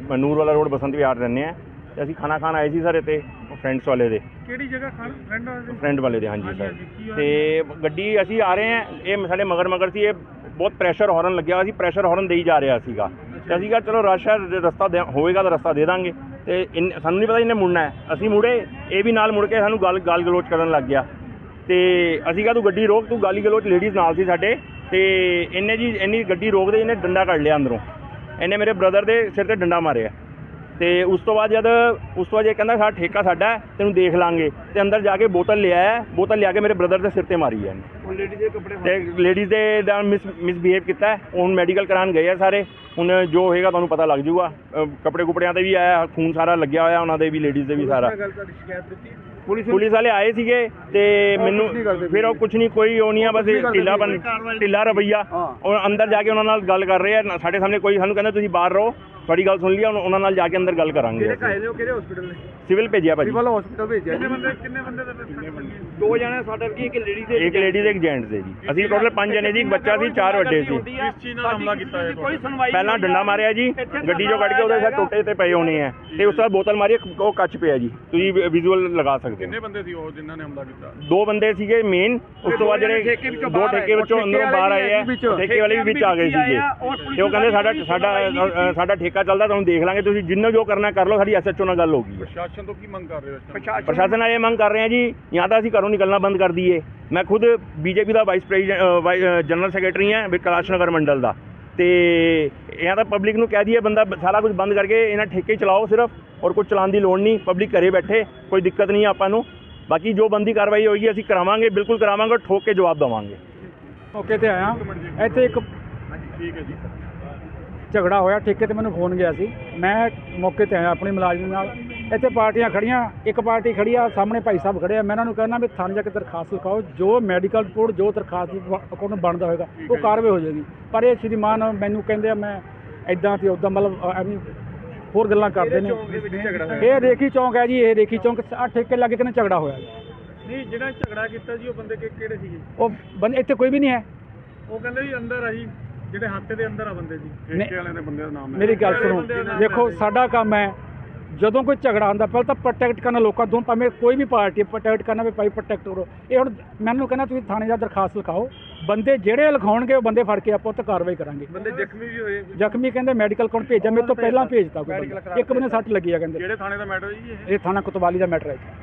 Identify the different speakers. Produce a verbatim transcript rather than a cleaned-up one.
Speaker 1: ਨੂਰ ਵਾਲਾ ਰੋਡ ਬਸੰਤ ਵਿਹਾਰ ਰਹਿੰਦੇ ਹਾਂ ਤੇ ਅਸੀਂ ਖਾਣਾ ਖਾਣ ਆਏ ਸੀ ਸਰ ਇੱਥੇ ਫਰੈਂਡਸ ਵਾਲੇ ਦੇ।
Speaker 2: ਕਿਹੜੀ ਜਗ੍ਹਾ ਖਾਣ ਫਰੈਂਡ ਵਾਲੇ
Speaker 1: ਫਰੈਂਡ ਵਾਲੇ ਦੇ ਹਾਂਜੀ ਸਰ। ਤੇ ਗੱਡੀ ਅਸੀਂ ਆ ਰਹੇ ਹਾਂ, ਇਹ ਸਾਡੇ ਮਗਰ ਮਗਰ ਸੀ, ਇਹ ਬਹੁਤ ਪ੍ਰੈਸ਼ਰ ਹਾਰਨ ਲੱਗਿਆ ਸੀ, ਪ੍ਰੈਸ਼ਰ ਹਾਰਨ ਦੇਈ ਜਾ ਰਿਹਾ ਸੀਗਾ ਤੇ ਅਸੀਂ ਕਿਹਾ ਚਲੋ ਰਸ਼ ਹੈ, ਰਸਤਾ ਹੋਵੇਗਾ ਤਾਂ ਰਸਤਾ ਦੇ ਦਾਂਗੇ। ਤੇ ਇਨ ਸਾਨੂੰ ਨਹੀਂ ਪਤਾ ਇਹਨੇ ਮੁੜਨਾ ਹੈ, ਅਸੀਂ ਮੁੜੇ, ਇਹ ਵੀ ਨਾਲ ਮੁੜ ਕੇ ਸਾਨੂੰ ਗਾਲ ਗਾਲ ਗਲੋਚ ਕਰਨ ਲੱਗ ਗਿਆ। ਤੇ ਅਸੀਂ ਕਿਹਾ ਤੂੰ ਗੱਡੀ ਰੋਕ, ਤੂੰ ਗਾਲੀ ਗਲੋਚ, ਲੇਡੀਜ਼ ਨਾਲ ਸੀ ਸਾਡੇ। ਤੇ ਇਹਨੇ ਜੀ ਇੰਨੀ ਗੱਡੀ ਰੋਕਦੇ ਇਹਨੇ ਡੰਡਾ ਕੱਢ ਲਿਆ ਅੰਦਰੋਂ, ਇਹਨੇ ਮੇਰੇ ਬ੍ਰਦਰ ਦੇ ਸਿਰ ਤੇ ਡੰਡਾ ਮਾਰਿਆ। ਤੇ ਉਸ ਤੋਂ ਬਾਅਦ ਜਦ ਉਸ ਤੋਂ ਬਾਅਦ ਇਹ ਕਹਿੰਦਾ ਸਾਡਾ ਠੇਕਾ ਸਾਡਾ ਹੈ, ਤੈਨੂੰ ਦੇਖ ਲਾਂਗੇ। ਤੇ ਅੰਦਰ ਜਾ ਕੇ ਬੋਤਲ ਲਿਆਇਆ, ਬੋਤਲ ਲਿਆ ਕੇ ਮੇਰੇ ਬ੍ਰਦਰ ਦੇ ਸਿਰ ਤੇ ਮਾਰੀ ਹੈ ਇਹਨੇ।
Speaker 2: ਲੇਡੀਜ਼ ਦੇ ਕੱਪੜੇ
Speaker 1: ਤੇ ਲੇਡੀਜ਼ ਦੇ ਦਾ ਮਿਸ ਮਿਸਬਿਹੇਵ ਕੀਤਾ। ਹੁਣ ਮੈਡੀਕਲ ਕਰਾਉਣ ਗਏ ਆ ਸਾਰੇ, ਹੁਣ ਜੋ ਹੋਏਗਾ ਤੁਹਾਨੂੰ ਪਤਾ ਲੱਗ ਜੂਗਾ। ਕੱਪੜੇ ਕੁਪੜਿਆਂ 'ਤੇ ਵੀ ਆਇਆ, ਖੂਨ ਸਾਰਾ ਲੱਗਿਆ ਹੋਇਆ ਉਹਨਾਂ ਦੇ ਵੀ, ਲੇਡੀਜ਼ ਦੇ ਵੀ ਸਾਰਾ। ਪੁਲਿਸ ਪੁਲਿਸ ਵਾਲੇ ਆਏ ਸੀਗੇ ਤੇ ਮੈਨੂੰ ਫਿਰ ਉਹ ਕੁਝ ਨਹੀਂ, ਕੋਈ ਉਹ ਨਹੀਂ ਆ, ਬਸ ਢਿੱਲਾ ਬਣ ਢਿੱਲਾ ਰਵੱਈਆ। ਔਰ ਅੰਦਰ ਜਾ ਕੇ ਉਹਨਾਂ ਨਾਲ ਗੱਲ ਕਰ ਰਹੇ ਆ ਸਾਡੇ ਸਾਹਮਣੇ। ਕੋਈ ਸਾਨੂੰ ਕਹਿੰਦਾ ਤੁਸੀਂ ਬਾਹਰ ਰਹੋ, ਤੁਹਾਡੀ ਗੱਲ ਸੁਣ ਲਈ, ਉਹਨਾਂ ਨਾਲ ਜਾ ਕੇ ਅੰਦਰ ਗੱਲ ਕਰਾਂਗੇ।
Speaker 2: ਕਿਹੜੇ ਹਸਪੀਟਲ ਨੇ?
Speaker 1: ਸਿਵਲ ਭੇਜਿਆ ਭਾਜੀ,
Speaker 2: ਸਿਵਲ ਹਸਪੀਟਲ ਭੇਜਿਆ। ਕਿੰਨੇ ਬੰਦੇ ਕਿੰਨੇ ਬੰਦੇ ਦੋ ਜਣੇ ਸਾਡੇ ਕੀ, ਇੱਕ ਲੇਡੀਜ਼ ਦੇ
Speaker 1: ਇੱਕ ਲੇਡੀਜ਼ ਦੇ ਇੱਕ ਜੈਂਟਸ ਦੇ ਜੀ। ਅਸੀਂ ਟੋਟਲ ਪੰਜ ਜਣੇ ਜੀ, ਇੱਕ ਬੱਚਾ ਸੀ, ਚਾਰ ਵੱਡੇ ਸੀ।
Speaker 2: ਕਿਸ ਚੀਜ਼ ਨਾਲ ਹਮਲਾ ਕੀਤਾ ਹੈ? ਕੋਈ ਸੁਣਵਾਈ
Speaker 1: ਪਹਿਲਾਂ ਡੰਡਾ ਮਾਰਿਆ ਜੀ, ਗੱਡੀ ਚੋਂ ਕੱਢ ਕੇ ਉਹਦੇ ਸਿਰ ਟੋਟੇ ਤੇ ਪਏ ਹੋਣੇ ਆ, ਤੇ ਉਸ ਤੋਂ ਬਾਅਦ ਬੋਤਲ ਮਾਰੀ, ਉਹ ਕੱਚ ਪਿਆ ਜੀ, ਤੁਸੀਂ ਵਿਜ਼ੂਅਲ ਲਗਾ ਸਕਦੇ ਹੋ।
Speaker 2: ਕਿੰਨੇ ਬੰਦੇ ਸੀ ਉਹ ਜਿਨ੍ਹਾਂ ਨੇ ਹਮਲਾ ਕੀਤਾ?
Speaker 1: ਦੋ ਬੰਦੇ ਸੀਗੇ ਮੇਨ, ਉਸ ਤੋਂ ਬਾਅਦ ਜਿਹੜੇ ਦੋ ਠੇਕੇ ਵਿੱਚੋਂ ਅੰਦਰੋਂ ਬਾਹਰ ਆਏ ਆ, ਠੇਕੇ ਵਾਲੇ ਵੀ ਵਿੱਚ ਆ ਗਏ ਸੀਗੇ। ਤੇ ਉਹ ਕਹਿੰਦੇ ਸਾਡਾ ਸਾਡਾ ਸਾਡਾ ਠੇਕਾ ਚੱਲਦਾ, ਤੁਹਾਨੂੰ ਦੇਖ ਲਾਂਗੇ, ਤੁਸੀਂ ਜਿੰਨਾ ਜੋ ਕਰਨਾ ਕਰ ਲਓ, ਸਾਡੀ ਐਸ ਐਚ ਓ ਨਾਲ ਗੱਲ ਹੋ ਗਈ।
Speaker 2: ਪ੍ਰਸ਼ਾਸਨ ਤੋਂ ਕੀ ਮੰਗ ਕਰ ਰਹੇ ਹੋ?
Speaker 1: ਪ੍ਰਸ਼ਾਸਨ ਨਾਲ ਇਹ ਮੰਗ ਕਰ ਰਹੇ ਆ ਜੀ, ਜਾਂ ਤਾਂ ਅਸੀਂ ਘਰੋਂ ਨਿਕਲਣਾ ਬੰਦ ਕਰ ਦਈਏ। ਮੈਂ ਖੁਦ ਬੀਜੇਪੀ ਦਾ ਵਾਈਸ ਪ੍ਰੈਜ਼ੀਡੈਂਟ ਜਨਰਲ ਸੈਕਟਰੀ ਹਾਂ ਕੈਲਾਸ਼ ਨਗਰ ਮੰਡਲ ਦਾ। ਤੇ ਜਾਂ ਤਾਂ ਪਬਲਿਕ ਨੂੰ ਕਹਿ ਦਈਏ ਬੰਦਾ ਸਾਰਾ ਕੁਝ ਬੰਦ ਕਰਕੇ ਇਹਨਾਂ ਠੇਕੇ ਚਲਾਓ ਸਿਰਫ, ਔਰ ਕੁਝ ਚਲਾਉਣ ਦੀ ਲੋੜ ਨਹੀਂ, ਪਬਲਿਕ ਘਰੇ ਬੈਠੇ, ਕੋਈ ਦਿੱਕਤ ਨਹੀਂ ਆਪਾਂ ਨੂੰ। ਬਾਕੀ ਜੋ ਬੰਦੀ ਕਾਰਵਾਈ ਹੋਏਗੀ ਅਸੀਂ ਕਰਾਵਾਂਗੇ, ਬਿਲਕੁਲ ਕਰਾਵਾਂਗੇ, ਠੋਕ ਕੇ ਜਵਾਬ ਦੇਵਾਂਗੇ।
Speaker 3: ਮੌਕੇ ਤੇ ਆਇਆ, ਇੱਥੇ ਇੱਕ
Speaker 2: ਠੀਕ ਹੈ ਜੀ,
Speaker 3: ਝਗੜਾ ਹੋਇਆ, ਠੇਕੇ ਤੇ ਮੈਨੂੰ ਫੋਨ ਗਿਆ ਸੀ, ਮੈਂ ਮੌਕੇ ਤੇ ਆਇਆ ਆਪਣੀ ਮੁਲਾਜ਼ਮ ਨਾਲ। ਇੱਥੇ ਪਾਰਟੀਆਂ ਖੜੀਆਂ, ਇੱਕ ਪਾਰਟੀ ਖੜੀ ਆ ਸਾਹਮਣੇ, ਭਾਈ ਸਾਹਿਬ ਖੜੇ ਆ। ਮੈਂ ਇਹਨਾਂ ਨੂੰ ਕਹਿਣਾ ਵੀ ਥਾਣੇ ਜਾ ਕੇ ਦਰਖਾਸਤ ਲਿਖਾਓ, ਜੋ ਮੈਡੀਕਲ ਰਿਪੋਰਟ ਜੋ ਦਰਖਾਸਤ ਦੀ ਅਕੋਰਡਿੰਗ ਬਣਦਾ ਹੋਏਗਾ ਉਹ ਕਾਰਵਾਈ ਹੋ ਜਾਏਗੀ। ਪਰ ਇਹ ਸ਼੍ਰੀਮਾਨ ਮੈਨੂੰ ਕਹਿੰਦੇ ਆ ਮੈਂ ਇੱਦਾਂ ਤੇ ਉੱਦਾਂ, ਮਤਲਬ ਐਵੇਂ ਹੋਰ ਗੱਲਾਂ ਕਰਦੇ ਨੇ। ਇਹ ਰੇਖੀ ਚੌਂਕ ਹੈ ਜੀ, ਇਹ ਰੇਖੀ ਚੌਂਕ ਆ, ਠੇਕੇ ਲੱਗੇ ਕਿਨੇ ਝਗੜਾ ਹੋਇਆ।
Speaker 2: ਨਹੀਂ ਜਿਹੜਾ ਝਗੜਾ ਕੀਤਾ ਜੀ ਉਹ ਬੰਦੇ ਕਿਹੜੇ ਸੀਗੇ?
Speaker 3: ਉਹ ਬੰਦੇ ਇੱਥੇ ਕੋਈ ਵੀ ਨਹੀਂ ਹੈ।
Speaker 2: ਉਹ ਕਹਿੰਦੇ ਜੀ ਅੰਦਰ ਆ ਜੀ, ਜਿਹੜੇ ਹੱਥੇ ਦੇ ਅੰਦਰ ਆ ਬੰਦੇ ਜੀ, ਠੇਕੇ ਵਾਲਿਆਂ ਦੇ ਬੰਦੇ ਦਾ ਨਾਮ ਹੈ।
Speaker 3: ਮੇਰੀ ਗੱਲ ਸੁਣੋ, ਦੇਖੋ ਸਾਡਾ ਕੰਮ ਹੈ ਜਦੋਂ ਕੋਈ ਝਗੜਾ ਹੁੰਦਾ ਪਹਿਲਾਂ ਤਾਂ ਪ੍ਰੋਟੈਕਟ ਕਰਨਾ ਲੋਕਾਂ ਤੋਂ, ਭਾਵੇਂ ਕੋਈ ਵੀ ਪਾਰਟੀ ਪ੍ਰੋਟੈਕਟ ਕਰਨਾ ਵੀ ਭਾਈ ਪ੍ਰੋਟੈਕਟ ਕਰੋ। ਇਹ ਹੁਣ ਮੈਨੂੰ ਕਹਿੰਦਾ ਤੁਸੀਂ ਥਾਣੇ ਜਾ ਦਰਖਾਸਤ ਲਿਖਾਓ, ਬੰਦੇ ਜਿਹੜੇ ਲਿਖਾਉਣਗੇ ਉਹ ਬੰਦੇ ਫੜ ਕੇ ਆਪਾਂ ਉੱਤੇ ਕਾਰਵਾਈ ਕਰਾਂਗੇ।
Speaker 2: ਬੰਦੇ ਜ਼ਖਮੀ ਵੀ ਹੋਏ?
Speaker 3: ਜ਼ਖਮੀ ਕਹਿੰਦੇ ਮੈਡੀਕਲ ਕੋਲ ਭੇਜਿਆ, ਮੇਰੇ ਤੋਂ ਪਹਿਲਾਂ ਭੇਜਤਾ ਕੋਈ, ਇੱਕ ਬੰਦੇ ਸੱਟ ਲੱਗੀ ਆ ਕਹਿੰਦੇ।
Speaker 2: ਕਿਹੜੇ ਥਾਣੇ ਦਾ ਮੈਟਰ ਜੀ ਇਹ?
Speaker 3: ਇਹ ਥਾਣਾ ਕੋਤਵਾਲੀ ਦਾ ਮੈਟਰ ਹੈ।